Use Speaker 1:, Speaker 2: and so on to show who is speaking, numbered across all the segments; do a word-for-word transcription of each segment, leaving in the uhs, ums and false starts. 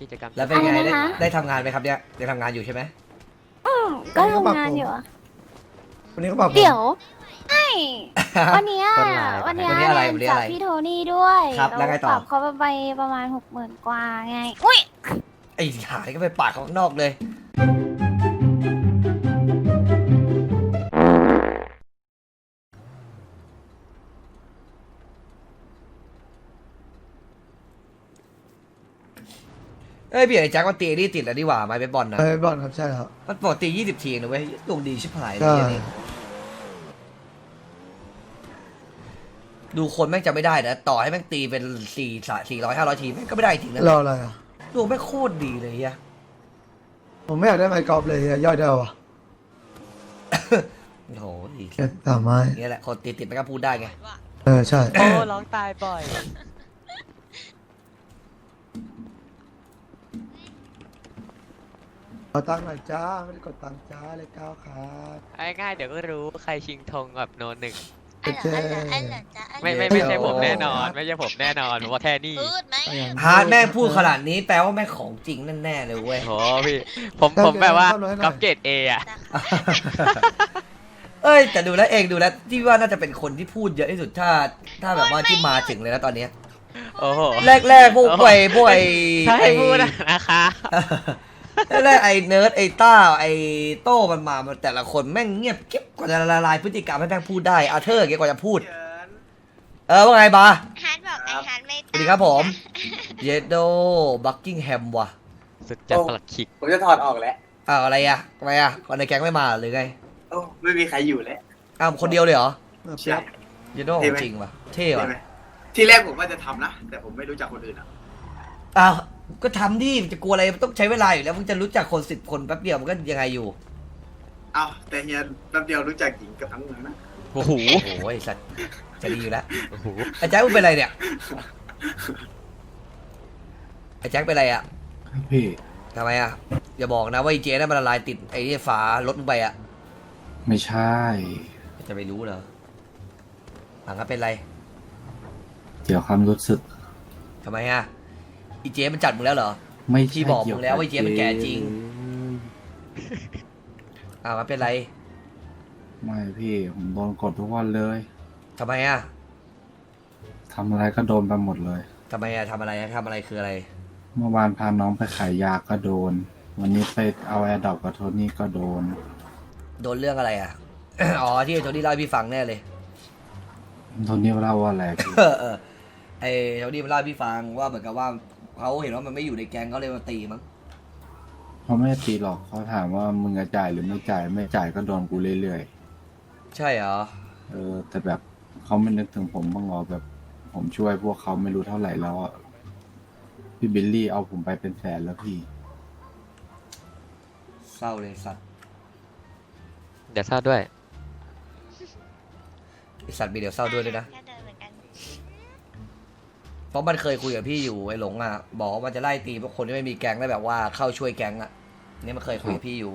Speaker 1: กิจกรรม
Speaker 2: แล้วเป็นไง
Speaker 3: อะไร
Speaker 2: ได้
Speaker 3: นะคะ
Speaker 2: ได้ทำงานไหมครับเนี่ยได้ทำงานอยู่ใช่ไหม
Speaker 3: อืมก็ทำงานอยู่อะ
Speaker 4: วันนี้เขาบอกผม
Speaker 3: เดี๋ยวไอ้วันเนี้ย
Speaker 1: ต้นลาย
Speaker 3: วันเนี้ย
Speaker 2: วันนี้อะไร
Speaker 3: เรีย
Speaker 2: วัน
Speaker 3: น
Speaker 2: นี้
Speaker 3: จา
Speaker 2: อะ
Speaker 3: ก
Speaker 2: ไร
Speaker 3: พี่โทนี่ด้วย
Speaker 2: ครับแล้วไงต่อ
Speaker 3: ปรับเขาไปประมาณหกหมื่นกว่าไงอุ้ย
Speaker 2: ไอ้หานี่ก็ไปปาดเขาข้างนอกเลยเอ้ยพี่ไอ้แจ็คมันตีนี่ติดแล้วดีกว่าไม้เบสบอลนะ
Speaker 4: ไปบอลครับใช่ครับ
Speaker 2: มันปกติยี่สิบทีนะเว้ยดวงดีชิบหายเลย
Speaker 4: ใช่
Speaker 2: อันนี้ดูคนแม่งจะไม่ได้นะต่อให้แม่งตีเป็นสี่สี่ร้อยห้าร้อยทีแม่งก็ไม่ได้จริงนะ
Speaker 4: รออะไรอ่ะ
Speaker 2: ดวงแม่งโคตรดีเลยเฮีย
Speaker 4: ผมไม่อยากได้ไมค์กอล์ฟเลยเฮียย่อยได้วะ
Speaker 2: โอ้โห
Speaker 4: แค่สามไม้
Speaker 2: นี่แหละคนติดติดมันก็พูดได้ไง
Speaker 4: เออใช่
Speaker 1: โอ้ร้องตายบ่อย
Speaker 4: ขอตังค์หน่อยจ้าไม่ได้กดตังค์จ้าเลยก้าวครับ
Speaker 1: ง่ายๆเดี๋ยวก็รู้ใครชิงธงกับโนนหนึ่ง
Speaker 4: เจ๊เจ๊
Speaker 1: ไม่ไม่ไม่ใช่ผมแน่นอน ไม่ใช่ผมแน่นอนผมว่าแค่นี้
Speaker 5: พูดไหม
Speaker 2: ฮาร์ดแม่งพูดขนาดนี้แปลว่าแม่งของจริงแน่ๆเลยเว้ย
Speaker 1: โหพี่ผมผมแบบว่าก๊อปเกรดเออะ
Speaker 2: เอ้ยแต่ดูแล้วเองดูแล้วที่ว่าน่าจะเป็นคนที่พูดเยอะที่สุดถ้าถ้าแบบว่าที่มาถึงเลยนะตอนเนี้ย
Speaker 1: โอ้โห
Speaker 2: แรกๆพวกไอ้พวกไอ้
Speaker 1: ถ้าให้
Speaker 2: ไอ้
Speaker 1: พูดอะนะคะ
Speaker 2: แรกๆไอ้เนิร์ดไอ้ต้าไอ้โต้มันมามันแต่ละคนแม่งเงียบเก็บกว่าจะละลายพฤติกรรมให้แม่งพูดได้อาเธอร์เก็บกว่าจะพูด เออว่าไงบา
Speaker 5: ฮาร์ดบอกไอฮาร์ดไม่
Speaker 2: สวัสดีครับผมเยโดบักกิงแฮมว่ะ
Speaker 1: สุดจัดประหลัดขิก
Speaker 6: ผมจะถอดออกแล้ว
Speaker 2: อ้าวอะไรอ่ะทำไมอ่ะคนในแก๊งไม่มาหรือไง
Speaker 6: โอ้ไม่มีใครอยู่แล้ว
Speaker 2: อ้าวคนเดียวเลยเหรอ
Speaker 4: เออ
Speaker 6: ใช่
Speaker 2: เยโดของจริงว่ะเท่
Speaker 6: ใช่
Speaker 2: ว่ะ
Speaker 6: ไหมที่แรกผมว่าจะทำนะ แต่ผมไม่รู้จักคนอื่นอ่ะ
Speaker 2: อ้าวก็ทำดิจะกลัวอะไรมันต้องใช้เวลาอยู่แล้วมึงจะรู้จักคนสิบคนแป๊บเดียวมันก็ยังไงอยู่
Speaker 6: เอ้าแต่เฮียแป๊บเดียวรู้จักหญิงกับทั้งเมืองนะ
Speaker 1: โอ้โห
Speaker 2: โอ้ยสัตว์จะดีอยู่แล้ว
Speaker 1: โอ้โห
Speaker 2: ไอ้แจ็คมึงเป็นอะไรเนี่ยไอ้แจ็คเป็นอะไรอ่ะ
Speaker 7: พี่
Speaker 2: ทำไมอ่ะอย่าบอกนะว่าไอ้เจ๊นั่นมันละลายติดไอ้นี่ฝารถมึงไปอ่ะ
Speaker 7: ไม่ใช่
Speaker 2: จะไปรู้เหรอหลังก็เป็นไร
Speaker 7: เกี่ยวความรู้สึก
Speaker 2: ทำไมอ่ะไอ้เจ๊มันจัดมึงแล้วเหรอ
Speaker 7: ไม่
Speaker 2: พี่
Speaker 7: ใช่
Speaker 2: บอกมึ
Speaker 7: เกี่ยว
Speaker 2: งแล้วว่าไอ้เจ๊มันแก่จริง อ้าวมันเป็นไร
Speaker 7: ไม่พี่ผมโดนกดทุกวันเลย
Speaker 2: ทำไมอ่ะ
Speaker 7: ทำอะไรก็โดนไปหมดเลย
Speaker 2: ทำไมอ่ะทำอะไรอ่ะทำอะไรคืออะไร
Speaker 7: เมื่อวานพาน้องไปขายยาก็โดน วันนี้ไปเอาแอร์ดรอปกับโทนี่ก็โดน
Speaker 2: โดนเรื่องอะไรอ่ะ อ๋อที่ไอ้โทนี่เล่าให้พี่ฟังแน่เลย
Speaker 7: โทนี่เล่าว่าอะไรพี่
Speaker 2: เออเออไอ้โทนี่มันเล่าให้พี่ฟังว่าเหมือนกับว่าเขาเห็นว่ามันไม่อยู่ในแก๊งเขาเลยมาตีมั้ง
Speaker 7: เขาไม่ได้ตีหรอกเขาถามว่ามึงจะจ่ายหรือไม่จ่ายไม่จ่ายก็โดนกูเรื่อย
Speaker 2: ใช่เหรอ
Speaker 7: ๆเออแต่แบบเขาไม่นึกถึงผมบ้างเหรอแบบ ผมช่วยพวกเขาไม่รู้เท่าไหร่แล้วอะพี่บิลลี่เอาผมไปเป็นแสนแล้วพี่
Speaker 2: เศร้าเลยสัตว์
Speaker 1: เดี๋ยวทราบด้วย
Speaker 2: ไอสัตว์มีเดี๋ยวเศร้าด้วยด้วยนะ
Speaker 5: ก็เดินเหมือนกัน
Speaker 2: เพราะมันเคยคุยกับพี่อยู่ไอ้หลงอ่ะบอกว่ามันจะไล่ตีพวกคนที่ไม่มีแก๊งแล้วแบบว่าเข้าช่วยแก๊งอ่ะนี่มันเคยคุยกับพี่อยู่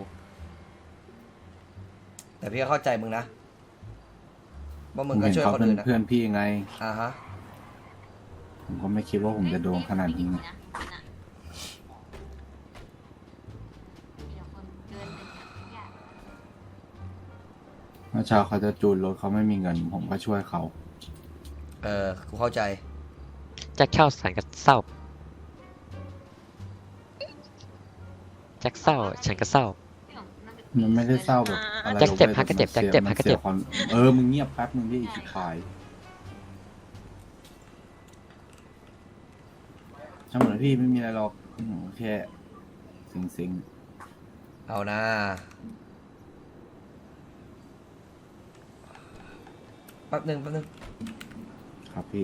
Speaker 2: แต่พี่ก็เข้าใจมึงนะว่ามึงก็
Speaker 7: เห็น
Speaker 2: ช่วย
Speaker 7: เขา
Speaker 2: คน
Speaker 7: เป็น
Speaker 2: อื่นนะ
Speaker 7: เพื่อนพี่ไง
Speaker 2: อ่าฮะ
Speaker 7: ผมก็ไม่คิดว่าผมจะโดนขนาดนี้ไงเมื่อเช้าเขาจะจูนรถเขาไม่มีเงิน ผมก็ช่วยเขา
Speaker 2: เออกูเข้าใจ
Speaker 1: แจ็คเข้าสารกับเศร้าแจ็คเศร้าฉันก็เศร้า
Speaker 7: มันไม่ได้เศร้าแบบอะไร
Speaker 1: แจ็คเจ็บ
Speaker 7: ลงไป
Speaker 1: ฮักก็เจ็บ
Speaker 7: แต่มัน
Speaker 1: แจ็คเจ็บ
Speaker 7: มัน
Speaker 1: ฮักก็เจ็บ
Speaker 7: สียความเออ มึงเงียบแป๊บนึงดิอีกสิบปลายช่างเหมือนพี่ไม่มีอะไรหรอกอืมแค่สิงสิง
Speaker 2: เอานะแป๊บหนึ่งแป๊บหนึ่ง
Speaker 7: ครับพี่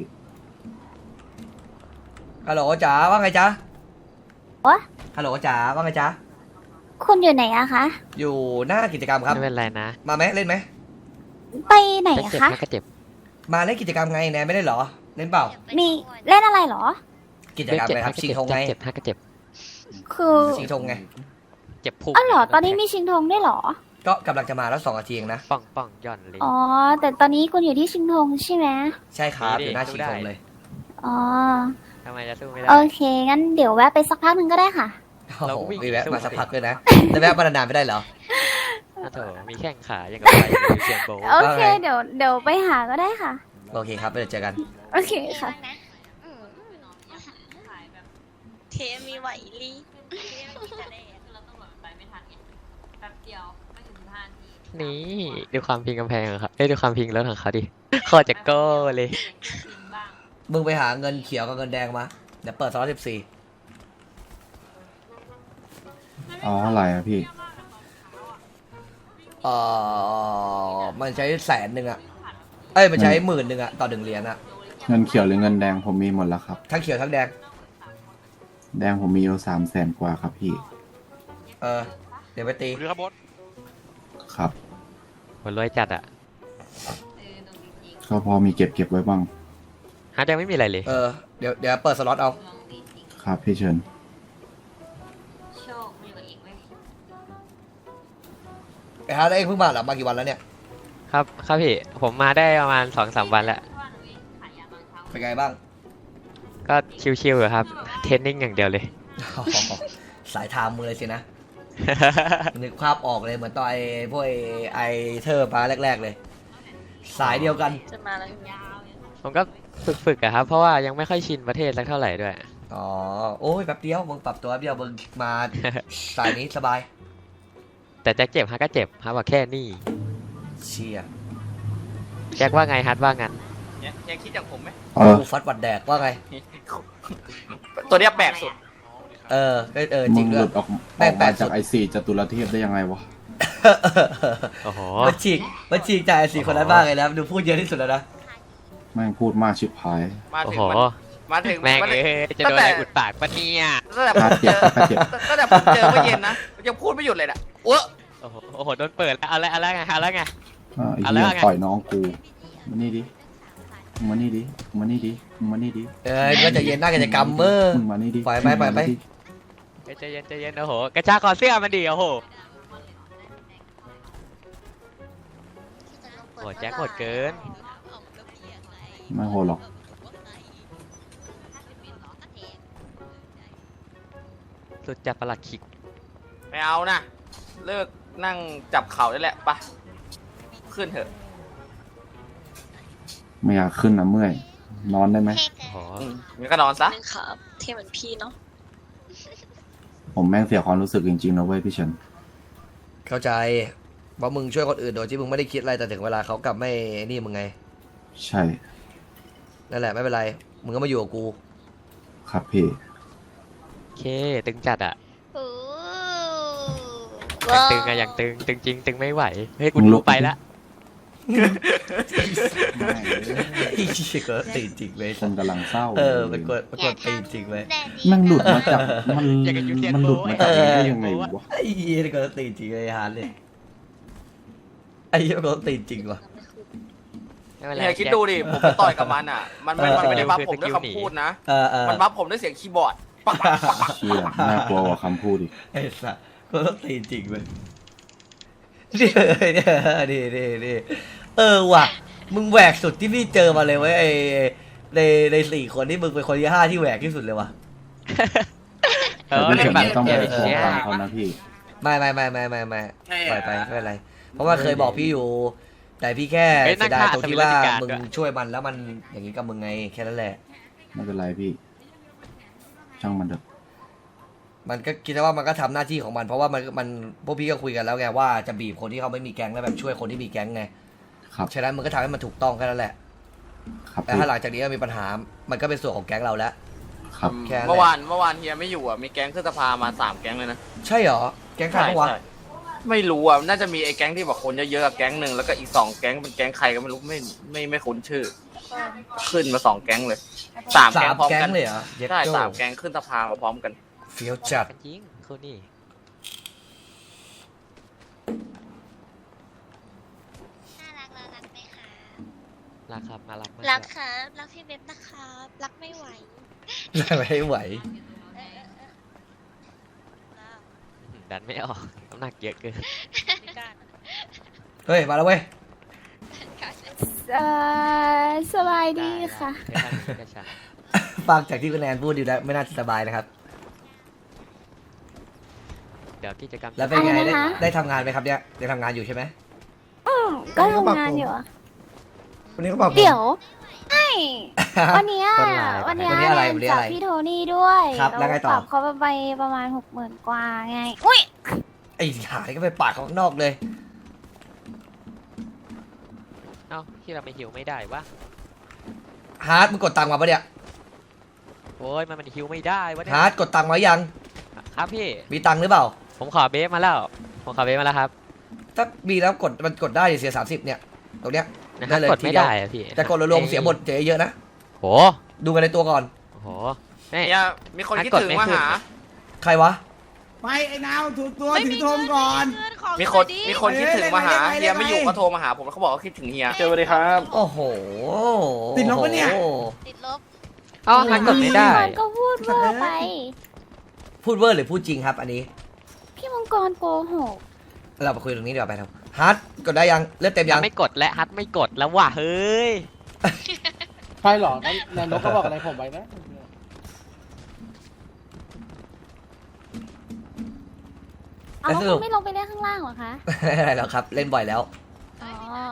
Speaker 2: ฮัลโหลจ๋าว่าไงจ๊ะ
Speaker 3: วะ
Speaker 2: ฮัลโหลจ๋าว่าไงจ๊ะ
Speaker 3: คุณอยู่ไหนอะคะ
Speaker 2: อยู่หน้ากิจกรรมครับ
Speaker 1: ไม่เป็นไรนะ
Speaker 2: มาไหมเล่นไหม
Speaker 3: ไปไหน
Speaker 1: แจ็ค
Speaker 3: อะ
Speaker 1: เจ็บ
Speaker 3: คะ
Speaker 1: ฮักก็เจ็บ
Speaker 2: มาเล่นกิจกรรมไงแนนไม่ได้เหรอเล่นเปล่า
Speaker 3: มีเล่นอะไรเหรอ
Speaker 2: กิจ
Speaker 1: แจ็ค
Speaker 2: กรรม
Speaker 1: เจ็บ
Speaker 2: อะไรค
Speaker 1: ฮั
Speaker 2: รั
Speaker 1: ก
Speaker 2: บ
Speaker 1: ก็
Speaker 2: ชิง
Speaker 1: เจ็บ
Speaker 2: ธงไง
Speaker 1: แจ็คเจ็บฮักก็เจ็บ
Speaker 3: คือ
Speaker 2: ชิงธงไง
Speaker 1: เจ็บพุง
Speaker 3: อ๋อเหรอตอนนี้มีชิงธงด้วยเหรอ
Speaker 2: ก็กำลังจะมาแล้วสองนาทีเองนะ
Speaker 1: ป่องป่องย่อนเลย
Speaker 3: อ๋อ แต่ตอนนี้คุณอยู่ที่ชิงธงใช่ไหม
Speaker 2: ใช่ครับ
Speaker 1: นี่
Speaker 2: อยู่หน้า
Speaker 1: ดู
Speaker 2: ชิง
Speaker 1: ได้
Speaker 2: ธงเลย
Speaker 3: อ๋อ
Speaker 1: ทำไมจะสู้ไม่ได้
Speaker 3: โอเค งั้นเดี๋ยวแวะไปสักพักหนึ่งก็ได้ค่ะ
Speaker 1: เรา
Speaker 2: โอ้โห
Speaker 1: วิ่ง
Speaker 2: มีแวะ
Speaker 1: สู้
Speaker 2: มาสักพักเลยนะแต่แวะมานานๆไม่ได้เหรอ
Speaker 1: โอ้โถมีแข้งขาอย่างกับไปยูเซียนโบ
Speaker 3: โอเค
Speaker 2: ว่าไง
Speaker 3: เดี๋ยวเดี๋ยวไปหาก็ได้ค่ะ
Speaker 2: โอเคครับเดี๋ยวเจอกัน
Speaker 3: โอเคค่ะ
Speaker 5: เทมีไหวลี
Speaker 1: นี่ดูความพิงกำแพงของเขาเอ้ยดูความพิงรถของเขาดิโคตรจะโก้เลย
Speaker 2: มึงไปหาเงินเขียวกับเงินแดงมาเดี๋ยวเปิดสล็อตสิบสี่
Speaker 7: อ๋ออะไรอะพี่
Speaker 2: เอ่อมันใช้แสนหนึ่งอะเอ้ยมันใช้หมื่นหนึ่งอะต่อหนึ่งเหรียญอะ
Speaker 7: เงินเขียวหรือเงินแดงผมมีหมดแล้วครับ
Speaker 2: ทั้งเขียวทั้งแดง
Speaker 7: แดงผมมีอยู่สามแสนกว่าครับพี่
Speaker 2: เออเดี๋ยวไปตี
Speaker 1: คือครับบอส
Speaker 7: ครับ
Speaker 1: มันรวยจัดอ่ะ
Speaker 7: ก็พอมีเก็บเก็บไว้บ้าง
Speaker 1: ฮาร์ดยังไม่มีอะไรเลย
Speaker 2: เออเดี๋ยวเดี๋ยวเปิดสล็อตเอา
Speaker 7: ครับพี่เชิญ
Speaker 2: ไอ้ฮาร์ดเองเพิ่งมาเหรอมากี่วันแล้วเนี่ย
Speaker 1: ครับครับพี่ผมมาได้ประมาณสองสามวันแล้ว
Speaker 2: เป็นไงบ้าง
Speaker 1: ก็ชิวๆอยู่ครับเทรนนิ่งอย่างเดียวเลย
Speaker 2: สายทามมือเลยสินะ นึกภาพออกเลยเหมือนตอนไอ้พวกไอ้ไอเธอร์มาแรก ๆเลย สายเดียวกัน
Speaker 5: จะมาแล้ว
Speaker 1: ผมก็ฝึกๆอะครับเพราะว่ายังไม่ค่อยชินประเทศสักเท่าไหร่ด้วย
Speaker 2: อ๋อโอ้ยแป๊บเดียวมึงปรับตัวแป๊บเดียวมึงมา สายนี้สบาย
Speaker 1: แต่แจ็คเจ็บฮาร์ดก็เจ็บฮาร์ดบอกแค่นี้
Speaker 2: เชีย
Speaker 1: แจ็คว่าไงฮาร์ดว่างั้น
Speaker 8: เนี่ยยังคิดอย่างผมไหม
Speaker 7: เออ
Speaker 2: กูฟัดวัดแดกว่าไง
Speaker 8: ตัวเนี้ยแปลกสุด
Speaker 2: เออเออเออจ
Speaker 7: มึ
Speaker 2: ริง
Speaker 7: งห
Speaker 2: ด้ว
Speaker 7: ลุ
Speaker 2: ย
Speaker 7: ดออก
Speaker 2: แม่
Speaker 7: ออง ก
Speaker 2: แป
Speaker 7: มา
Speaker 2: ดสุ
Speaker 7: จาก
Speaker 2: ด
Speaker 7: ไอซีจตุรเทพได้ยังไงวะ
Speaker 1: โอ้โห
Speaker 2: มันฉีกมันฉีกจากไอ้สี่คนนั้นบ้างเลยนะดูพูดเยอะที่สุดแล้วนะ
Speaker 7: แม่งพูดมากชิบหาย
Speaker 8: มา
Speaker 1: โอ้
Speaker 8: ถึง
Speaker 1: โห
Speaker 8: มันมาถึง
Speaker 1: แม่ง
Speaker 8: มัน
Speaker 1: เอ้ยจะโดนอะไรอุดปากปะเนี่ย
Speaker 8: ตั้งแต่ผ
Speaker 7: คาม เจ็
Speaker 8: เจ
Speaker 7: บ
Speaker 8: อ
Speaker 7: คาเจ็บ
Speaker 8: ตั้งแต่ผมเจอเมื่อเย็นนะยังพูดไม่หยุดเลยนะเว้อ
Speaker 1: โอ้โหโอ้โหโดนเปิดแล้วเอาละเอาละไงเอาละไง
Speaker 7: อ่าไอ้
Speaker 1: เอา
Speaker 7: เหี้
Speaker 1: แล้
Speaker 7: ยว
Speaker 1: ไง
Speaker 7: ต่อยน้องกูมานี่ดิมึงมานี่ดิมึงมานี่ดิมึงมานี่ดิ
Speaker 2: เออก็จะเย็นหน้ากิจกรรมเมื่อ
Speaker 7: มึงมานี่ดิ
Speaker 2: ปล่อยไปปล่อยไป
Speaker 7: มึงมานี่ดิ
Speaker 1: เฮ้ยใจเย็นใจเย็นโอ้โหกระชากคอเสื้อมันดีโอ้โหโหแจ็คโหดเกิน
Speaker 7: ไม่โหดหรอก
Speaker 1: สุดจัดประหลัดขิก
Speaker 8: ไม่เอานะเลิกนั่งจับเข่าได้แหละไปะขึ้นเถอะ
Speaker 7: ไม่อยากขึ้นนะเมื่อย นอนได้ไหม
Speaker 1: โอ้โห
Speaker 8: อืมงั้นก็นอนซะ
Speaker 5: นึงครับเทเหมือนพี่เนาะ
Speaker 7: ผมแม่งเสียความรู้สึกจริงๆนะเว้ยพี่เฉิน
Speaker 2: เข้าใจว่ามึงช่วยคนอื่นโดยที่มึงไม่ได้คิดอะไรแต่ถึงเวลาเขากลับไม่นี่มึงไง
Speaker 7: ใช่
Speaker 2: นั่นแหละไม่เป็นไรมึงก็มาอยู่กับกู
Speaker 7: ครับพี่
Speaker 1: โอเคตึงจัดอะ
Speaker 5: โอ้
Speaker 1: ยังตึงอะยังตึงตึงจริงตึงไม่ไหวเฮ้ยกู
Speaker 7: มึงลุ
Speaker 1: รู้
Speaker 7: ก
Speaker 1: ไปละ
Speaker 2: ไอ้เชี่ยก็ตีจริงเว้ย
Speaker 7: คนกำลังเศร้า
Speaker 2: เออเป็นคนเป็นคนตีจริงเว้ย
Speaker 7: แม่งหลุดมาจากมันมันหลุดมาจากนี้ได้ยังไงวะ
Speaker 2: ไอ้เหี้ยนี่ก็ตีจริงเลยฮาร์ดเลยไอ้เหี้ยก็ตีจริงว่ะ
Speaker 1: ไม่เป็นไร
Speaker 8: เนี่ยคิดดูดิผมไปต่อยกับมันอ่ะ มันมันมันไม่ได้บัฟผมด้วยคำพูดนะ
Speaker 2: เออเออ
Speaker 8: มันบัฟผมด้วยเสียงคีย์บอร์ดปักปักปักปัก
Speaker 7: เชี่ยน่ากลัวกว่าคำพูดอีก
Speaker 2: ไอ้สัสก็ต้องตีจริงเว้ยนี่เนี่ยนี่นี่นี่เออว่ะมึงแหวกสุดที่พี่เจอมาเลยเว้ยไอ้ในในสี่คนที่มึงเป็นคนที่ห้าที่แหวกที่สุดเลยว่ะ
Speaker 1: เอ
Speaker 7: แต่
Speaker 1: อ
Speaker 7: พี่
Speaker 1: เล่
Speaker 7: เฉิ
Speaker 1: น
Speaker 7: น
Speaker 1: แบบ
Speaker 7: ไม่ต้องไป
Speaker 1: เกม
Speaker 7: ฟ้อง
Speaker 1: เนี้ย
Speaker 7: ตามเขานะพี่
Speaker 2: ไม่ไม่ไม่ไม่ไม่ไม่ปล่อยไปไม่เป็นไร เพราะว่าเคยบอกพี่อยู่ แต่พี่แค่
Speaker 1: เฮ้ยนั่
Speaker 2: เสี
Speaker 1: ง
Speaker 2: ยดาย
Speaker 1: ฆ่า
Speaker 2: ตรงที่ว่า
Speaker 1: สมิธการ
Speaker 2: มึง
Speaker 1: ด้วย
Speaker 2: ช่วยมันแล้วมันอย่างนี้กับมึงไงแค่นั้นแหละ
Speaker 7: ไม่เป็นไรพี่ ช่างมันเถอะ
Speaker 2: มันก็คิดว่ามันก็ทำหน้าที่ของมันเพราะว่ามันมันพวกพี่ก็คุยกันแล้วไงว่าจะบีบคนที่เขาไม่มีแก๊งแล้วแบบช่วยคนที่มีแก๊งไง
Speaker 7: ครับ
Speaker 2: ฉะนั้นมันก็ทำให้มันถูกต้องแค่นั้นแหละ
Speaker 7: ครับ
Speaker 2: แต่
Speaker 7: พี่
Speaker 2: ถ้าหลังจากนี้มีปัญหา มันก็เป็นส่วนของแก๊งเราแล้ว
Speaker 7: ครับ
Speaker 2: แค่นั้นแหละ
Speaker 8: เมื่อวานเมื่อวานเฮียไม่อยู่อ่ะมีแก๊งขึ้นสภามาสามแก๊งเลยนะ
Speaker 2: ใช่เหรอแก๊งใครบ้างวะ
Speaker 8: ใช่ไม่รู้อ่ะน่าจะมีไอ้แก๊งที่บอกคนเยอะๆกับแก๊งหนึ่งแล้วก็อีกสองแก๊งเป็นแก๊งใครก็ไม่รู้ไม่ไม่ไม่คุ้นชื่อ ขึ้นมาสองแก๊งเลยสาม
Speaker 2: สา
Speaker 8: แก๊ง
Speaker 2: ม
Speaker 8: พร้อม
Speaker 2: แก๊ง
Speaker 8: กัน
Speaker 2: เลยเหรอเย็ด
Speaker 8: ใช่
Speaker 2: โจ้
Speaker 8: สามแก๊งขึ้นสภามาพร้อมกัน
Speaker 2: เฟี้ยวจัด
Speaker 1: กันจริงคนนี้
Speaker 5: น่ารักแล้วรักไหมคะ
Speaker 1: รักครับมารักมาก
Speaker 5: รักครับรักพี่เว็บนะครับรักไม่ไหว
Speaker 2: ไม่ไหว
Speaker 5: เออเออเออ
Speaker 1: ดันไม่ออกน้ำหนักเยอะเกิน
Speaker 5: ไม่กล้า
Speaker 2: เฮ้ยมาแล้วเว้ย
Speaker 3: เอ่อสบายดีค่ะ
Speaker 1: ได้ได้ได้ได้ได้
Speaker 2: ฟังจากที่คุณแนนพูดดูแล้วไม่น่าจะสบายนะครับ
Speaker 1: เดี๋ยวกิจกรรม
Speaker 2: แล้วเป็นไง
Speaker 3: อะไร
Speaker 2: ได้
Speaker 3: นะคะ
Speaker 2: ได้ทำงานไหมครับเนี่ยได้ทำงานอยู่ใช่ไหม
Speaker 3: ก็ทำงานอยู่อะ
Speaker 4: วันนี้เขาบอกผม
Speaker 3: เดี๋ยวไอ้วันเนี้ย
Speaker 1: ต้นลาย
Speaker 3: วันเนี้ย
Speaker 2: วันนี้อะไร
Speaker 3: แนน
Speaker 2: วันนี้
Speaker 3: จั
Speaker 2: อะ
Speaker 3: บ
Speaker 2: ไร
Speaker 3: พี่โทนี่ด้วย
Speaker 2: ครับแล้วไงต่อ
Speaker 3: ปรับเขาไปประมาณหกหมื่นกว่าไง อุ้ย
Speaker 2: ไอ้หานี่ก็ไปปาดเขาข้างนอกเลย
Speaker 1: เอ้าที่เราไม่หิวไม่ได้วะ
Speaker 2: ฮาร์ดมึงกดตังค์มาปะเนี่ย
Speaker 1: โอ้ยมันมันหิวไม่ได้วะเนี่ย
Speaker 2: ฮาร์ดกดตังค์มายัง
Speaker 1: ครับพี่
Speaker 2: มีตังค์หรือเปล่า
Speaker 1: ผมขอเบฟมาแล้วผมขอเบฟมาแล้วครับ
Speaker 2: ถ้ามีแล้วกดมันกดได้เสียสามสิบเนี่ยตรงเนี้ย
Speaker 1: นะค
Speaker 2: ได้
Speaker 1: รับ
Speaker 2: เลย
Speaker 1: กดไม่
Speaker 2: ทีเดียว
Speaker 1: ได้อะพี่
Speaker 2: แต่กดรวมๆเสียบทเสียเยอะนะ
Speaker 1: โห
Speaker 2: ดูกันในตัวก่อน
Speaker 1: โหนี่
Speaker 8: เนี่ยมีคนคิดถึงมาหา
Speaker 2: ใครวะ
Speaker 9: ไม่ไอ้นาวถูกตัวถึงโทมก่อน
Speaker 8: มีคนมีคนคิดถึงมาหา
Speaker 9: เอ้ย
Speaker 8: เฮียไม่อยู่
Speaker 9: เล่นไป
Speaker 8: ก็โทรมาหาผมแล้วเขาบอกว่าคิดถึงเฮีย
Speaker 5: เจอเลยครับ
Speaker 2: โอ้โห
Speaker 9: ติดลบปะเนี่ย
Speaker 2: โอ้โห
Speaker 5: ติดลบ
Speaker 1: เอ้าฮันกดไม่ได้
Speaker 3: มันก็พูดเวอร์ไป
Speaker 2: พูดเวอร์หรือพูดจริงครับ อันนี้
Speaker 3: พี่มังกรโกหก
Speaker 2: เราไปคุยตรงนี้เดี๋ยวไปครับฮาร์ดกดได้ยังเลือดเต็มยัง
Speaker 1: ไม่กดและฮัทไม่กดแล้วว่ะเฮ้ย
Speaker 9: ใช่หรอนั่นนายกก็บอกอะไรผมไปนะ
Speaker 3: เอาแล้วคุณไม่ลงไปเล่นข้างล่างเหรอคะ
Speaker 2: ไม่เป็นไรแล้วครับ เล่นบ่อยแล้ว
Speaker 3: อ๋อ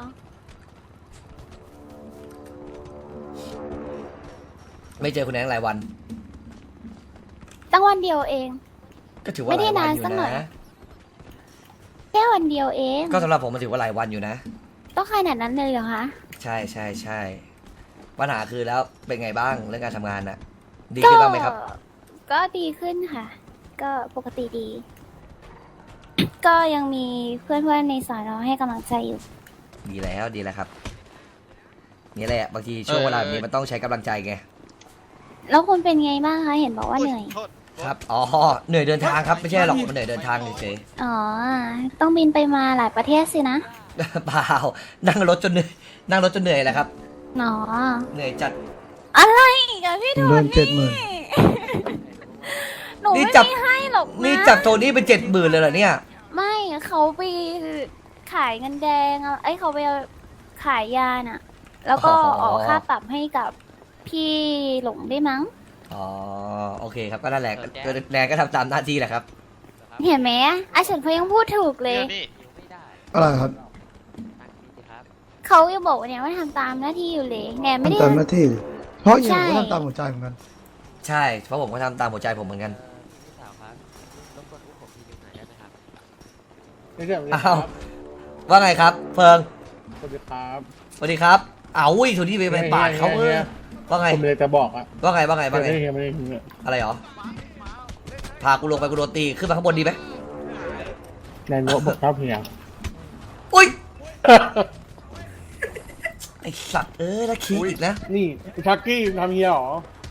Speaker 2: ไม่เจอคุณแอนหลายวัน
Speaker 3: ตั้งวันเดียวเอง
Speaker 2: ก็ถือว่า
Speaker 3: ไม่
Speaker 2: ห
Speaker 3: ได้
Speaker 2: ลายวัน
Speaker 3: นาน
Speaker 2: อยู่
Speaker 3: สักหน่อย
Speaker 2: นะ
Speaker 3: แค่วันเดียวเอง
Speaker 2: ก็สำหรับผมมันถือว่าหลายวันอยู่นะ
Speaker 3: ต้องขนาดนั้นเลยเหรอคะ
Speaker 2: ใช่ใช่ใช่ปัญหาคือแล้วเป็นไงบ้างเรื่องการทำงานน่ะ ดีขึ้นบ้างไหมครับ
Speaker 3: ก็ดีขึ้นค่ะ ก็ปกติดี ก็ยังมีเพื่อนๆในสอนอให้กำลังใจอยู่
Speaker 2: ดีแล้วดีแล้วครับ นี่แหละบางทีช่วงเวลาแบบนี้มันต้องใช้กำลังใจไง
Speaker 3: แล้วคุณเป็นไงบ้างคะ เห็นบอกว่าเหนื่อย
Speaker 2: ครับอ๋อเหนื่อยเดินทางครับไม่ใช่หรอกมันเหนื่อยเดินทางเฉย
Speaker 3: อ๋อ ต้องบินไปมาหลายประเทศสินะ
Speaker 2: ๆ เปล่านั่งรถจนเหนื่อยนั่งรถจนเหนื่อยแหละครับ
Speaker 3: อ๋อ
Speaker 2: เหนื่อยจัด
Speaker 3: อะไรอีกอะพี่โท
Speaker 4: เดือน
Speaker 3: นี่
Speaker 4: เจ็ดหมื่น
Speaker 3: หนู
Speaker 2: นี่
Speaker 3: ไม่
Speaker 2: จับ
Speaker 3: มีให้หรอกนะ
Speaker 2: นี่จับโทนี่เป็นเจ็ดหมื่นเลยเหรอเนี่ย
Speaker 3: ไม่เขาไปขายเงินแดงอะไอ้ยเขาไปขายยาน่ะ แล้วก็
Speaker 2: อ๋อ
Speaker 3: ออกค่าปรับให้กับพี่หลงได้มั้ง
Speaker 2: อ๋อโอเคครับก็นั่นแหละแนนก็ทำตามหน้าที่แหละครับ
Speaker 3: เห็นไหมอาเฉินเขายังพูดถูกเลย
Speaker 1: หิวไม่ได้
Speaker 4: อะไรครับ
Speaker 1: ตั้งนี้สิครับ
Speaker 3: เขายังบอกว่าเนี่ยว่าทำตามหน้าที่อยู่เลยแนนไม่ได้
Speaker 4: ทำตามหน้าที่ เพราะอย่าง
Speaker 3: ใช่
Speaker 4: ผมก็ทำตามหัวใจเหมือนกัน
Speaker 2: ใช่เพราะผมก็ทำตามหัวใจผมเหมือนกัน
Speaker 1: พี่สาวครับรบกวนอุ้มผมทีนึงหน่อยได้ไหมครับ
Speaker 9: ไม่ใช่
Speaker 2: อ้าวว่าไงครับ เฟิง
Speaker 9: สวัสดีครับ
Speaker 2: สวัสดีครับอ้าวอุ้ยโทนี่ไปไปปาดเขาเออว่าไง
Speaker 9: ผมเลยจะบอกอะ
Speaker 2: ว่าไงว่าไงว่าไง
Speaker 9: ไม่ได้ไม่ได้ไม่ได้
Speaker 2: อะไรหรอพากูลงไปกูโดนตีขึ้นมาข้างบนดีไหม
Speaker 9: นายกบอกชอบเฮีย
Speaker 2: อุ้ยไอสัตว์เอ้ยแล้วคิดอีกนะ
Speaker 9: นี่ชักกี้ทำเฮียหรอ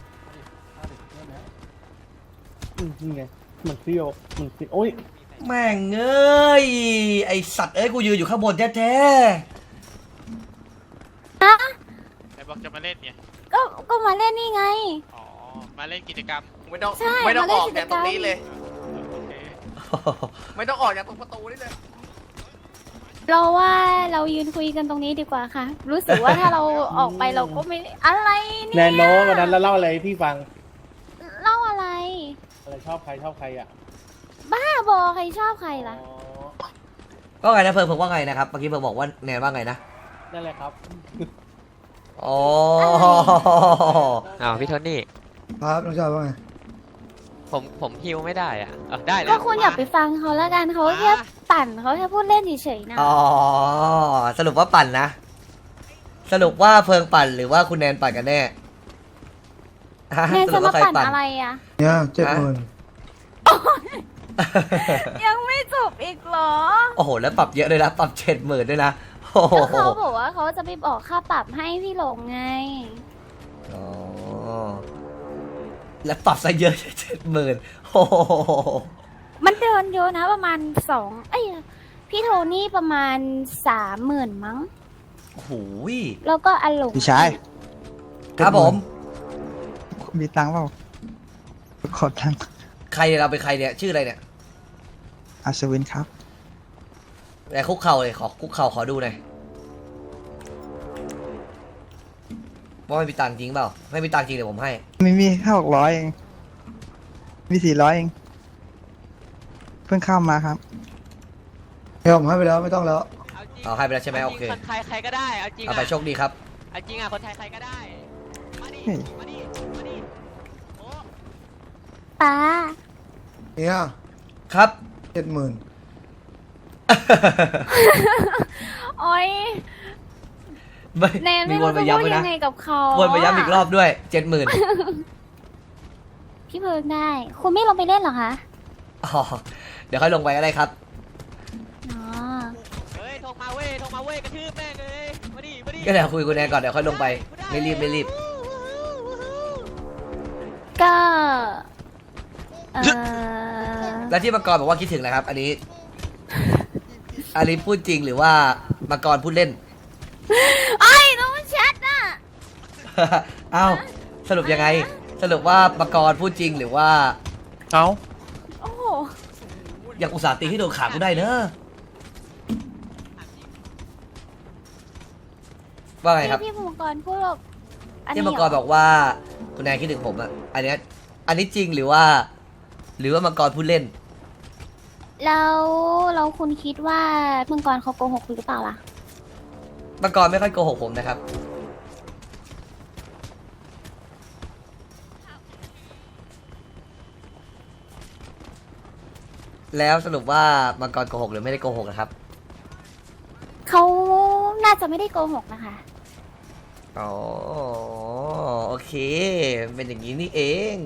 Speaker 9: อืมนี่ไงมันเซี่ยวมันเซี่ยวโอ้ย
Speaker 2: แม่งเอ้ยไอสัตว์เอ้ยกูยืนอยู่ข้างบนแท้
Speaker 10: ไอ้บอกจะมาเล่นไง
Speaker 3: ก็ก็มาเล่นนี่ไง
Speaker 10: อ๋อ มาเล่นกิจกรรม
Speaker 8: ไม่ต้อง
Speaker 3: ใช่
Speaker 8: ไม่ต้อง
Speaker 3: มาเล่
Speaker 8: อน อก
Speaker 3: กิจ
Speaker 8: จาก
Speaker 3: ก
Speaker 8: ต
Speaker 3: ร
Speaker 8: ร
Speaker 3: รม
Speaker 8: งนี้เลย
Speaker 10: โอเค
Speaker 2: ๆ
Speaker 8: ไม่ต้องออกจากตรงประตูนี่เลย
Speaker 3: เราว่าเรายืนคุยกันตรงนี้ดีกว่าค่ะ รู้สึกว่าถ้าเราออกไปเราก็ไม่อะไร
Speaker 9: แน
Speaker 3: เนี่ย
Speaker 9: นโนวันนั้นแล้วเล่าอะไรให้พี่ฟัง
Speaker 3: เล่าอะไร
Speaker 9: อะไรชอบใครชอบใครอ่ะ
Speaker 3: บ้าบอใครชอบใครล่ะ
Speaker 9: อ๋อ
Speaker 2: ว่าไงนะเฟิร์นเฟิร์นว่าไงนะครับเมื่อกี้เฟิร์นบอกว่าแนนว่าไงนะ
Speaker 9: นั่นแหละครับ
Speaker 2: อ๋อ
Speaker 1: อ้าวพี่โทนี่
Speaker 4: ครับน้องชายว่าไง
Speaker 1: ผมผมฮิวไม่ได้อ่ะเออได้แล้ว
Speaker 3: ก็คุณอย่าไปฟังเขาแล้วกันเขาแค่ปั่นเขาแค่พูดเล่นเฉยๆนะ
Speaker 2: อ๋อสรุปว่าปั่นนะ สรุปว่าเฟิร์นปั่นหรือว่าคุณแนนปั่นกันแน่ฮะ
Speaker 3: แนน
Speaker 2: สรุ
Speaker 3: จะ
Speaker 2: ป
Speaker 3: มา
Speaker 2: ว่าใคร
Speaker 3: ปั่น
Speaker 2: ปั่น
Speaker 3: อะไรอ่ะ
Speaker 4: เนี่ยเจ็ดหมื่น
Speaker 3: ยังไม่จบอีกเหรอ
Speaker 2: โอ้โหแล้วปรับเยอะเลยนะปรับเจ็ดหมื่นด้วยนะโอ้โห
Speaker 3: ก็เขาบอกว่าเขาจะไปบอกค่าปรับให้พี่หลงไง
Speaker 2: อ๋อแล้วปรับซะเยอะเจ็ดหมื่นโอ้โห
Speaker 3: มันเดินเยอะนะประมาณสองเอ้ยพี่โทนี่ประมาณสามหมื่นมั้ง
Speaker 2: โอ้โห
Speaker 3: แล้วก็อารมณ์
Speaker 11: พี่ชาย
Speaker 2: ครับผม
Speaker 11: มีตังค์เปล่าขอตังค์
Speaker 2: ใครเนี่ยเราเป็นใครเนี่ยชื่ออะไรเนี่ย
Speaker 11: อัศวินครับ
Speaker 2: แต่คุกเข่าเลยขอคุกเข่าขอดูหน่อยว่าไม่มีตังค์จริงเปล่าไม่มีตังค์จริงเดี๋ยวผมให้
Speaker 11: ไม่มีแค่หกร้อยเองมีสี่ร้อยเองเพิ่งเข้ามาครับ
Speaker 4: เดี๋ยวผมให้ไปแล้วไม่ต้องแล้ว
Speaker 2: เอาให้ไปแล้วใช่ไหมโอเค
Speaker 1: คนไทยใครก็ได้เอาจริง
Speaker 2: เอาไปโชคดีครับ
Speaker 1: เอาจริงอ่ะคนไทยใครก็ได้มาดิ
Speaker 11: เฮ้ย
Speaker 1: มาดิมาดิโอ้
Speaker 3: ป้า
Speaker 4: เนี่ย
Speaker 2: ครับ
Speaker 4: เจ็ดหมื่น
Speaker 3: โอ๊ย
Speaker 2: ไม่
Speaker 3: แนน
Speaker 2: มี
Speaker 3: ไม่
Speaker 2: ว
Speaker 3: รู้
Speaker 2: นไป
Speaker 3: จะ
Speaker 2: ย้ำ
Speaker 3: พู
Speaker 2: ไว้
Speaker 3: ดยั
Speaker 2: นะ
Speaker 3: งไงกับเขา
Speaker 2: วนไปย้ำอีกรอบด้วยเจ็ดหมื่น
Speaker 3: พี่เพิงได้ คุณไม่ลงไปเล่นเหรอคะ
Speaker 2: อ๋อเดี๋ยวค่อยลงไปก็ได้ครับ
Speaker 3: อ๋อ
Speaker 1: เฮ้ยโทรมาเว้ยโทรมาเว้ยกระทืบแม่งเลยมาดิมาดิ
Speaker 2: ก็เดี๋ยวคุยกับคุณแนนก่อนเดี๋ยวค่อยลงไปไม่รีบไม่รีบ
Speaker 3: ก็เออ
Speaker 2: แล้วที่มังกรบอกว่าคิดถึงนะครับ อันนี้ อันนี้พูดจริงหรือว่ามังกรพูดเล่น
Speaker 3: ไอ้ต้องแชทน่ะ
Speaker 2: เอ้าสรุปยังไง สรุปว่ามังกรพูดจริงหรือว่า
Speaker 9: เอา
Speaker 3: โอ้โห
Speaker 2: อยากอุตส่าห์ตีให้โดนขากูได้เนอะว่าไงครับ
Speaker 3: ที่พี่มังกรพูดแบบอัน
Speaker 2: ที่
Speaker 3: นี้
Speaker 2: มัง
Speaker 3: เห
Speaker 2: ก
Speaker 3: ร
Speaker 2: ร
Speaker 3: อ
Speaker 2: บอกว่าคุณแนนคิดถึงผมอะอันเนี้ยอันนี้จริงหรือว่า หรือว่ามังกรพูดเล่น
Speaker 3: แล้วเราคุณคิดว่ามังกรเขาโกหกคุณหรือเปล่าล่ะ
Speaker 2: มังกรไม่ค่อยโกหกผมนะครับ แล้วสรุปว่ามังกรโกหกหรือไม่ได้โกหกนะครับ
Speaker 3: เขาน่าจะไม่ได้โกหกนะคะ
Speaker 2: อ๋อโอเค เป็นอย่างนี้นี่เอง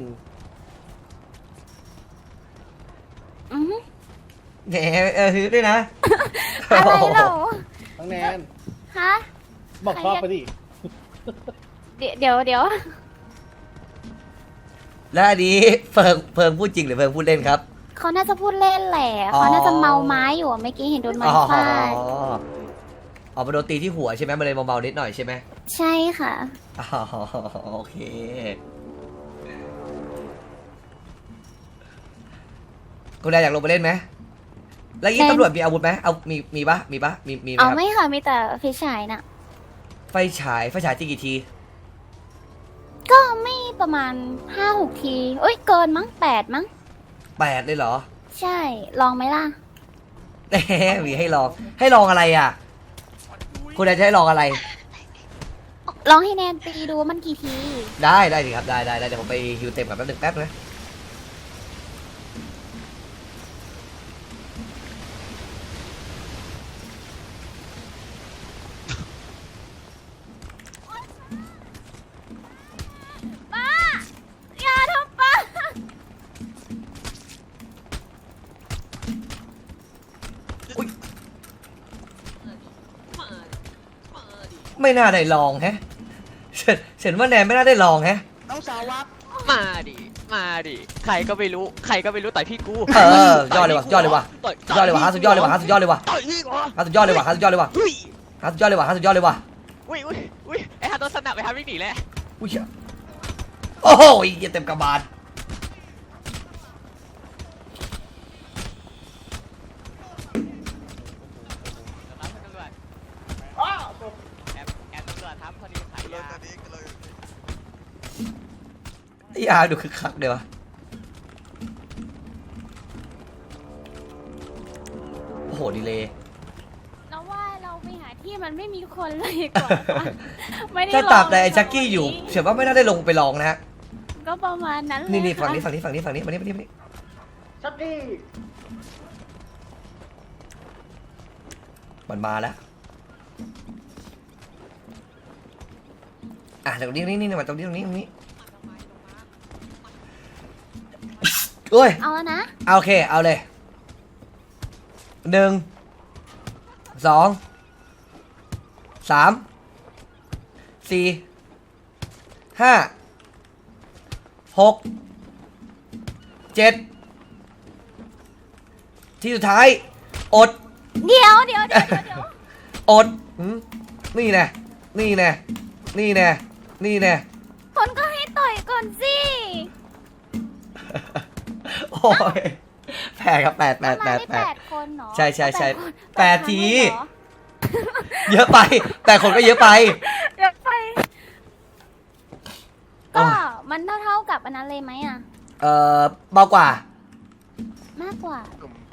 Speaker 3: อือหือ
Speaker 2: แหมเออฮือด้วยนะ
Speaker 3: อะไรเหรอ
Speaker 9: น้องแนน
Speaker 3: ฮะ
Speaker 9: บอกชอบไปดิ
Speaker 3: เดี๋ยวเดี๋ยวเดี๋ยว
Speaker 2: แล้วอันนี้เพิงเพิงพูดจริงหรือเพิงพูดเล่นครับ
Speaker 3: เขาน่าจะพูดเล่นแหละ
Speaker 2: อ๋อ
Speaker 3: เขาน่าจะเมาไม้อยู่อะเมื่อกี้เห็นโดนไม้
Speaker 2: อ๋อ
Speaker 3: ฟาด
Speaker 2: อ๋อมาโดนตีที่หัวใช่ไหมมันเลยเบาๆนิดหน่อยใช่ไหม
Speaker 3: ใช่ค่ะ
Speaker 2: อ๋อโอเค คุณนายอยากลงไปเล่นไหม แล้วยี่
Speaker 3: เล่น
Speaker 2: ตำรวจมีอาวุธไหมเอามีมีปะมีปะมีมีไหม
Speaker 3: เอา
Speaker 2: ครับ
Speaker 3: ไม่ค่ะ มีแต่ไฟฉายน่ะ
Speaker 2: ไฟฉายไฟฉายตีกี่ที
Speaker 3: ก็ไม่ประมาณห้าหกทีเอ้ย เกินมั้งแปดมั้ง
Speaker 2: แปดเลยเหรอ
Speaker 3: ใช่ ลองไหมล่ะ
Speaker 2: แหมมีให้ลอง ให้ลองอะไรอ่ะ คุณนายจะให้ลองอะไร
Speaker 3: ลองให้แนนตีดูว่ามันกี่ที
Speaker 2: ได้ได้ดิครับได้ได้ได้เดี๋ยวผมไปฮิวเต็มกับแป๊บหนึงแป๊บนะ
Speaker 3: ป้า อย่าทำป้า
Speaker 2: ไม่น่าได้ลองแฮะเฉันฉันว่าแนนไม่น่าได้ลองแฮะ
Speaker 1: ต้องสาววับมาดิมาดิใครก็ไม่รู้ใครก็ไม่รู้ต่อยพี่กู
Speaker 2: เออยอดเลยว่ะยอดเลยว่ะ
Speaker 1: ต่อย
Speaker 2: ยอดเลยว่ะฮะสุดยอดเลยว่ะฮะสุดยอดเลยว่ะ
Speaker 1: ต่อยพี่กู
Speaker 2: ฮะสุดยอดเลยว่ะฮะสุดยอดเลยว่ะ
Speaker 1: อุ้ย
Speaker 2: ฮะสุดยอดเลยว่ะฮะสุดยอดเลยว่ะ
Speaker 1: อุ้ยอุ้ยอุ้ยไอ้ฮาโดนสนับไอ้ฮาวิ่งหนีแล้ว
Speaker 2: อุ้ยเหี้ยโอ้โหเหี้ยเต็มกระบาล
Speaker 1: แอบแอบตำรวจทับพอดีขายยา
Speaker 2: ไอ้อาดูคึกคักเลยวะโอ้โหดีเลย
Speaker 3: แล้วว่าเราไปหาที่มันไม่มีคนเลยดีกว่าปะไม่ได้
Speaker 2: ถ้า
Speaker 3: ลอง
Speaker 2: ตราบใดไอ้
Speaker 3: เลย
Speaker 2: แจ็คกี้อยู่เชื่อว่าไม่น่าได้ลงไปลองนะฮะ
Speaker 3: ก็ประมาณนั้นเลย
Speaker 2: นี่นี่ฝั่งนี้
Speaker 3: ค่ะ
Speaker 2: ฝั่งนี้ฝั่งนี้ฝั่งนี้มานี่มานี่มานี่
Speaker 9: ชักกี้
Speaker 2: มันมาแล้ว อ่ะตรงนี้นี่นี่มาตรงนี้ตรงนี้ตรงนี้โอ้ย
Speaker 3: เอาแล้วนะ
Speaker 2: เอาโอเค เอาเลย หนึ่ง สอง สาม สี่ ห้า หก เจ็ด ที่สุดท้าย อด
Speaker 3: เดี๋ยวเดี๋ยวเดี๋ยวเดี๋ยว
Speaker 2: อดหืมนี่แน่ นี่แน่ นี่แน่ นี่แน่
Speaker 3: คนก็ให้ต่อยก่อนสิ
Speaker 2: โอ้ยแปดครับแปดแปดแป
Speaker 3: มา
Speaker 2: ด
Speaker 3: ได้
Speaker 2: แป
Speaker 3: แป
Speaker 2: ด
Speaker 3: ดคนเหรอ
Speaker 2: ใช่ใช่ใช่
Speaker 3: คน
Speaker 2: แปดที
Speaker 3: ครั้งเลยเหรอ
Speaker 2: เยอะไป แต่คนก็เยอะไป
Speaker 3: เดี๋ยวไปก็มันเท่าๆกับอันนั้นเลยไหมอ่ะ
Speaker 2: เอ่อเบากว่า
Speaker 3: มากกว่า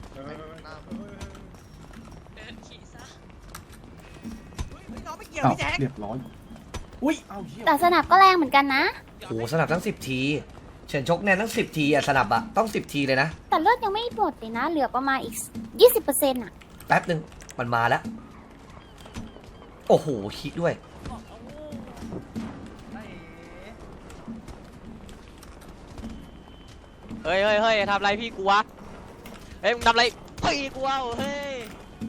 Speaker 7: อ้าวเรียบร้อย อุ้ยเอาเหี้ย
Speaker 3: แต่สนับก็แรงเหมือนกันนะ
Speaker 2: โหสนับทั้งสิบทีเฉินชกแน่นทั้งสิบทีอะสนับอะต้องสิบทีเลยนะ
Speaker 3: แต่เลือดยังไม่หมดเลยนะ เหลือประมาณอีกยี่สิบเปอร์เซ็นต์อ่ะ
Speaker 2: แป๊บหนึ่งมันมาแล้ว โอ้โหคิดด้วย
Speaker 1: เฮ้ยเฮ้ยเฮ้ยทำอะไรพี่กูวะเฮ้ยมึงทำอะไรพี่กูวะเฮ้ย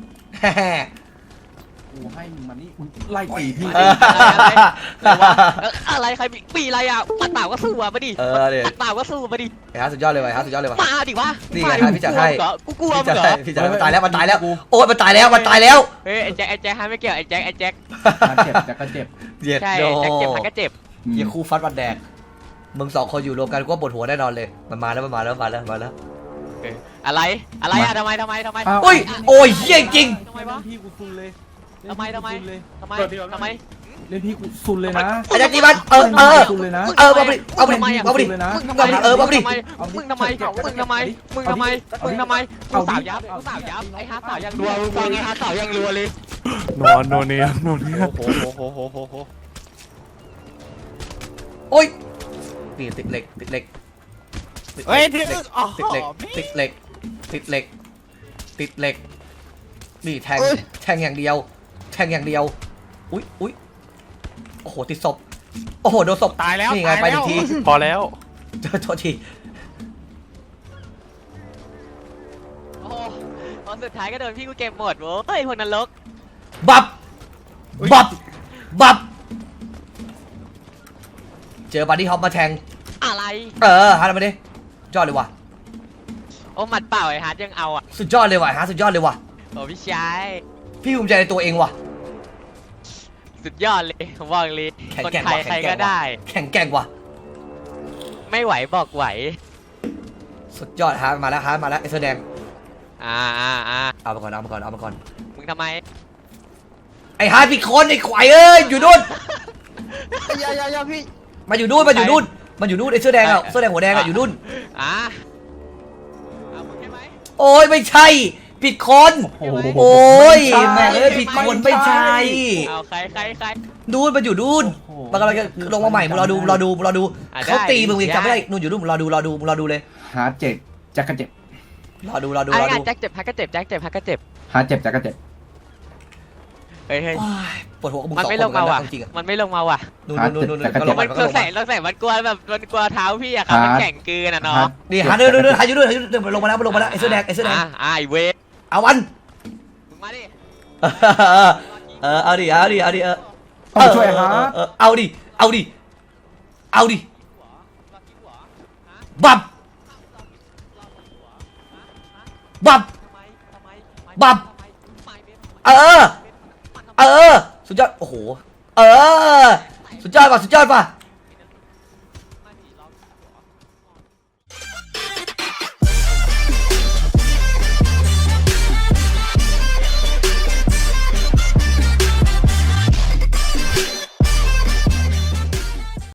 Speaker 7: กูให้มึงมานี่อุ๊ยไล่ตีพี่
Speaker 2: เออ
Speaker 1: อะไรวะเอ้ออะไรใครมีปีอะไรอ่ะปัดเปล่าก็สู้อ่ะมาดิ
Speaker 2: เออเดี๋ยว
Speaker 1: ปัดเปล่าก็สู้มาดิ
Speaker 2: ไอ้ฮะสุดยอดเลยว่ะไอ้ฮะสุดยอดเลยว่ะ
Speaker 1: มาดิวะ
Speaker 2: นี่ไง
Speaker 1: มา
Speaker 2: พี่จัดให้
Speaker 1: กูกลัวมึง
Speaker 2: พี่
Speaker 1: เหร
Speaker 2: จะ
Speaker 1: อ
Speaker 2: พี่จะมันตายแล้วมันตายแล้วโอ้ยมันตายแล้วมันตายแล้ว
Speaker 1: เฮ้ยไอ้แจ็คไอ้แจ็คฮะไม่เกี่ยวไอ้แจ็คไอ้แจ็ค
Speaker 7: มาเจ็บจะก็เจ็บ
Speaker 2: เย็ด
Speaker 1: ใช่
Speaker 2: โด
Speaker 1: แจ็คเจ็บมันก็เจ็บ
Speaker 7: อืม
Speaker 2: เหี้ยคู่ฟัดวันแดกมึงสองคนอยู่รวมกันก็ปวดหัวแน่นอนเลยมันมาแล้วมันมาแล้วมาแล้วมาแล้ว
Speaker 1: เอออะไรอะไรอ่ะทำไมทำไมทำไม
Speaker 7: อ้าว
Speaker 2: โอ้ยโอ้ยเหี้ยจริง
Speaker 1: ทำไมวะ
Speaker 7: เล่นพี่กูซุนเลย
Speaker 1: ทำไมทำไม
Speaker 7: เล่น
Speaker 1: ทำไมทำไม
Speaker 7: พี่กูซุนเลยเล่นพี่กูซุนเลยนะ
Speaker 2: ไอ้แจ็คนี่มันเออเออ
Speaker 7: ซุนเลยนะ
Speaker 2: เออมาดิเอามาดิ
Speaker 1: ทำไมอะ
Speaker 2: เอามาดิ
Speaker 7: เลยนะ
Speaker 1: มึงทำไม
Speaker 2: เออมาดิ
Speaker 1: มึงทำไมมึงทำไมมึงทำไมมึงทำไมมึงสาวยับมึงสาวยับไอ้ฮาสาวยังรัวมึงฟังไอ้ฮาสาวยังรัวเลย
Speaker 9: นอนโนเนียโนเนีย
Speaker 1: โอ้โหโอ้โหโอ้โหโอ้โห
Speaker 2: โอ้ยนี่ติดเหล็กติดเหล็กติด
Speaker 10: เฮ้ย
Speaker 2: ติ
Speaker 10: ที่
Speaker 2: ดเหล็กติดเหล็กติดเหล็กติดเหล็กติดเหล็กนี่แทงแทงอย่างเดียว แทงอย่างเดียวอุ้ยอุ้ยโอ้โหติดศพโอ้โหโดนศพ
Speaker 10: ตายแล้ว
Speaker 2: นี่ไง
Speaker 10: ตาย
Speaker 2: ไป
Speaker 10: แล้
Speaker 2: อี
Speaker 10: ว
Speaker 2: กที
Speaker 9: พอแล้ว
Speaker 2: โทษที
Speaker 1: โอ้โหตอนสุดท้ายก็โดนพี่กูเก็บหมดโว้ยเฮ้ยพวกนรก
Speaker 2: บับบับบับเจอบัดดี้ฮอปมาแทง
Speaker 1: อะไร
Speaker 2: เออฮาร์ดมาดิยอดเลยว่ะ
Speaker 1: โอ้หมัดเปล่าไอ้ฮาร์ดยังเอาอ่ะ
Speaker 2: สุดยอดเลยว่ะฮาร์ดสุดยอดเลยว่ะ
Speaker 1: โอ้พี่ชาย
Speaker 2: พี่ภูมิใจในตัวเองว่ะ
Speaker 1: สุดยอดเลยผมบอกเลย
Speaker 2: แข็ง
Speaker 1: คน
Speaker 2: แกร่ง
Speaker 1: ไทย
Speaker 2: ว่ะ
Speaker 1: ใคร
Speaker 2: แข็งแกร่
Speaker 1: ก็
Speaker 2: งว่ะ
Speaker 1: ได้
Speaker 2: แข็งแกร่งว่ะ
Speaker 1: ไม่ไหวบอกไหว
Speaker 2: สุดยอดฮาร์ดมาแล้วฮาร์ดมาแล้วไอ้เสื้อแดง
Speaker 1: อ่าอ่าอ่า
Speaker 2: เอามาก่อนเอามาก่อนเอามาก่อน
Speaker 1: มึงทำไม
Speaker 2: ไอ้ฮาร์ดพี่คนไอ้ควายเอ้ยอยู่นู่น
Speaker 11: อย่าอย่าอย่าพี่
Speaker 2: มาอยู่นู่นมาอยู่นู่นมาอยู่นู่นไอ้เสื้อแดงอ่ะเสื้อแดงหัวแดงอ่ะอยู่นู่น
Speaker 1: อ่าเอามึงใช่ไหม
Speaker 2: โอ้ยไม่ใช่ผิดคน
Speaker 7: โอ้โห
Speaker 2: โอ้ยแม่งเอ้ยผิดคนไม่ใช่
Speaker 1: เอาใครใครใคร
Speaker 2: นู่นมาอยู่นู่น
Speaker 7: โอ้โห
Speaker 2: มันกำลังจะลงมาใหม่มึงรอดูมึงรอดูมึงรอดู
Speaker 1: อ่ะ
Speaker 2: เขา
Speaker 1: ได้
Speaker 2: ตีมึงยังจำไม่ได้
Speaker 1: ได้
Speaker 2: นู่นอยู่นู่นมึงรอดูรอดูมึงรอดูเลย
Speaker 7: หาเจ็บจะก็เจ็บ
Speaker 2: รอดูรอดู
Speaker 1: ไอ้
Speaker 2: รอดู
Speaker 1: งานแจ็คเจ็บพักก็เจ็บแจ็คเจ็บพักก็เจ็บ
Speaker 7: หาเจ็บจะก็เจ็บ
Speaker 1: เฮ้ยเฮ้ย
Speaker 2: โอ้ยปวดหัวกับมึง
Speaker 1: มัน
Speaker 2: สอง
Speaker 1: ไม่
Speaker 2: ค
Speaker 1: ล
Speaker 2: น
Speaker 1: ง
Speaker 2: เหมือ
Speaker 1: มาน
Speaker 2: กัน
Speaker 1: ว่ะ
Speaker 2: นะจริงๆอะ
Speaker 1: มันไม่ลงมาว่ะ
Speaker 2: นู่นนู่นนู่นนู่นก็ลง
Speaker 1: มั
Speaker 2: มาน ก็
Speaker 1: คือ
Speaker 2: ลง
Speaker 1: ใส่
Speaker 2: มา
Speaker 1: เราใส่มันกลัวแบบมันกลัวเท้าพี่อะครับมันแข็งเกินอะเนาะ
Speaker 2: นี่หาเดินเดินเดินหาอยู่นู่นหาอยู่นู่นมันลงมาแล้วมันลงมาแล้วไอ้เสื้อแดงไอ้เสื้อแดง
Speaker 1: อ่าอ่าไอเวฟ
Speaker 2: เอาวัน
Speaker 1: มึงมาดิ
Speaker 2: เออเอาดิเอาดิเอาดิเออ
Speaker 7: ต้องช่วยฮาร์ด
Speaker 2: เออเอาดิเอาดิเอาดิบับบับ บับ เออ เออ สุดยอด โอ้โห เออ สุดยอดป่ะ สุดยอดป่ะ